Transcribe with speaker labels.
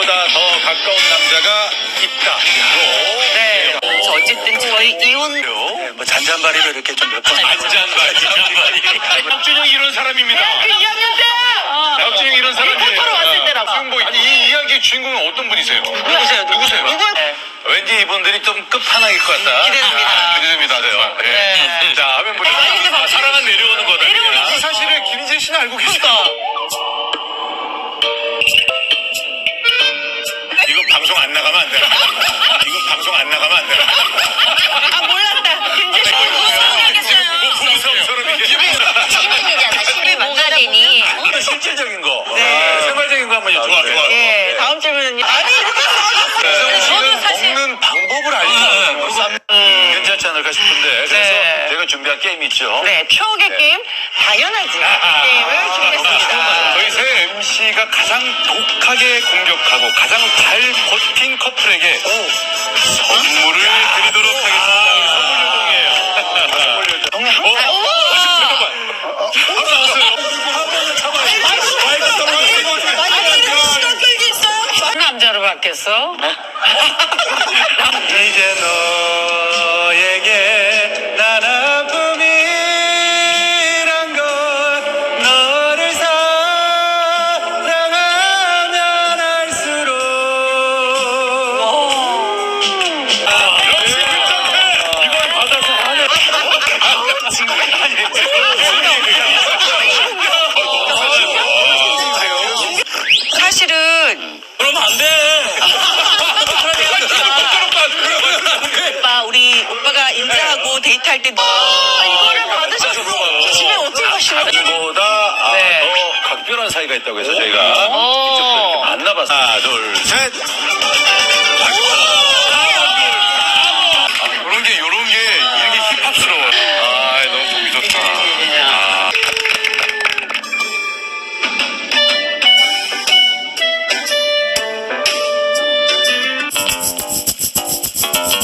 Speaker 1: 나보다 더 가까운 남자가 있다.
Speaker 2: 네. 그래서 어쨌든 저희 이혼
Speaker 3: 뭐 잔잔바리로 이렇게 좀 몇 번.
Speaker 1: 잔잔바리. 박준영 이런 사람입니다.
Speaker 2: 그 2학년 때
Speaker 1: 박준영 이런 사람이에요.
Speaker 2: 리포터로 왔을 때라고.
Speaker 1: 지금 뭐 아니 이 이야기의 주인공은 어떤 분이세요?
Speaker 2: 누구세요?
Speaker 1: 누구세요?
Speaker 2: 네.
Speaker 1: 왠지 이분들이 좀 끝판왕일 것 같다.
Speaker 2: 기대됩니다.
Speaker 1: 기대됩니다. 네.
Speaker 2: 네.
Speaker 1: 자, 하면 보니까
Speaker 2: 아니, 근데 막
Speaker 1: 사랑은 내려오는 거다.
Speaker 2: 내려오는
Speaker 1: 사실은 김희재 씨는 알고 계시다. 이거 방송 안 나가면 안 돼. 이거 방송 안 나가면 안 돼.
Speaker 2: 아 몰랐다. 김재 씨 무서워하겠어요.
Speaker 1: 부부싸움처럼 이게.
Speaker 4: 시민이잖아. 시민 뭐가 되니?
Speaker 1: 근데 실질적인 거.
Speaker 2: 네.
Speaker 1: 생활적인 거 한번 좋아.
Speaker 2: 예, 다음 질문은요. 아니 이렇게
Speaker 1: 이성훈
Speaker 2: 저도
Speaker 1: 씨는
Speaker 2: 사실
Speaker 1: 먹는 방법을 알죠. 괜찮지 않을까 싶은데. 그래서
Speaker 2: 네.
Speaker 1: 제가 준비한 게임 있죠.
Speaker 2: 네 추억의 게임 당연하지 게임을 준비했습니다.
Speaker 1: 저희 새 MC가 가장 독하게 공격하고 가장 잘 버틴 커플에게 선물을 드리도록 하겠습니다. 선물 요동이에요. 선물 요동. 잠깐만. 바로 나왔어요.
Speaker 2: 시간 끌기 있어요? 남자로 바뀌었어?
Speaker 1: 이제 너에게 난 아픔이란 것 너를 사랑하면 할수록 역시 김정태 이걸 받아서 하네
Speaker 2: 사실은
Speaker 1: 그러면 안돼
Speaker 2: 오빠 우리 오빠가 인사하고 데이트할 때 이거를 받으셨어. 집에 어떻게 가시는 거예요?
Speaker 1: 보다
Speaker 2: 네.
Speaker 1: 더 각별한 사이가 있다고 해서 저희가 직접 이렇게 만나봤어요. 하나 둘 셋